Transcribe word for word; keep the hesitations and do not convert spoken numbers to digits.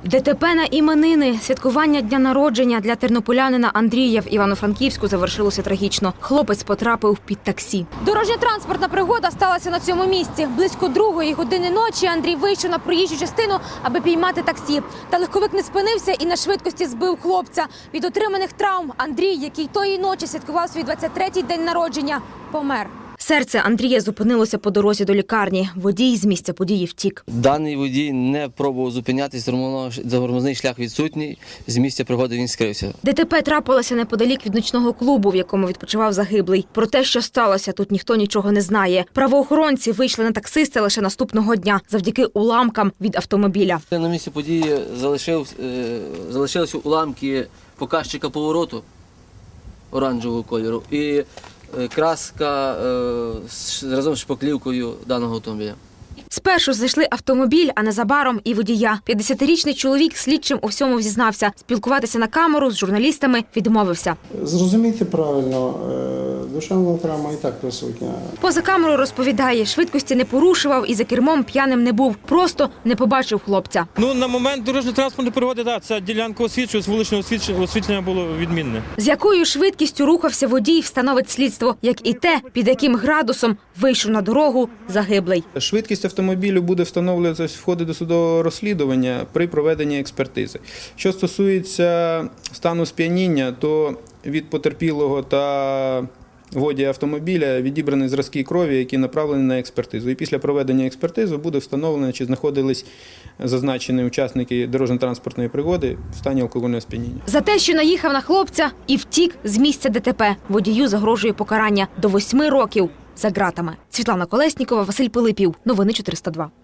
ДТП на іменини. Святкування дня народження для тернополянина Андрія в Івано-Франківську завершилося трагічно. Хлопець потрапив під таксі. Дорожньо-транспортна пригода сталася на цьому місці. Близько другої години ночі Андрій вийшов на проїжджу частину, аби піймати таксі. Та легковик не спинився і на швидкості збив хлопця. Від отриманих травм Андрій, який тої ночі святкував свій двадцять третій день народження, помер. Серце Андрія зупинилося по дорозі до лікарні. Водій з місця події втік. Даний водій не пробував зупинятись, тормозний шлях відсутній, з місця пригоди він скрився. ДТП трапилося неподалік від нічного клубу, в якому відпочивав загиблий. Про те, що сталося, тут ніхто нічого не знає. Правоохоронці вийшли на таксиста лише наступного дня, завдяки уламкам від автомобіля. На місці події залишив, залишилися уламки показчика повороту оранжевого кольору і краска е, разом з шпаклівкою даного автомобіля. Спершу знайшли автомобіль, а незабаром і водія. п'ятдесятирічний чоловік слідчим у всьому зізнався. Спілкуватися на камеру з журналістами відмовився. Зрозумійте правильно, душевна травма і так присутня. Поза камерою розповідає, швидкості не порушував і за кермом п'яним не був. Просто не побачив хлопця. Ну, на момент дорожньо-транспортної пригоди, так, ця ділянка освітлювалася, вуличне освітлення було відмінне. З якою швидкістю рухався водій, встановить слідство, як і те, під яким градусом вийшов на дорогу загиблий. Швидкість автомобілю буде встановлюватися в ході досудового розслідування при проведенні експертизи. Що стосується стану сп'яніння, то від потерпілого та водія автомобіля відібрані зразки крові, які направлені на експертизу. І після проведення експертизи буде встановлено, чи знаходились зазначені учасники дорожньо-транспортної пригоди в стані алкогольного сп'яніння. За те, що наїхав на хлопця і втік з місця ДТП, водію загрожує покарання до восьми років за ґратами. Світлана Колеснікова, Василь Пилипів. Новини чотириста два.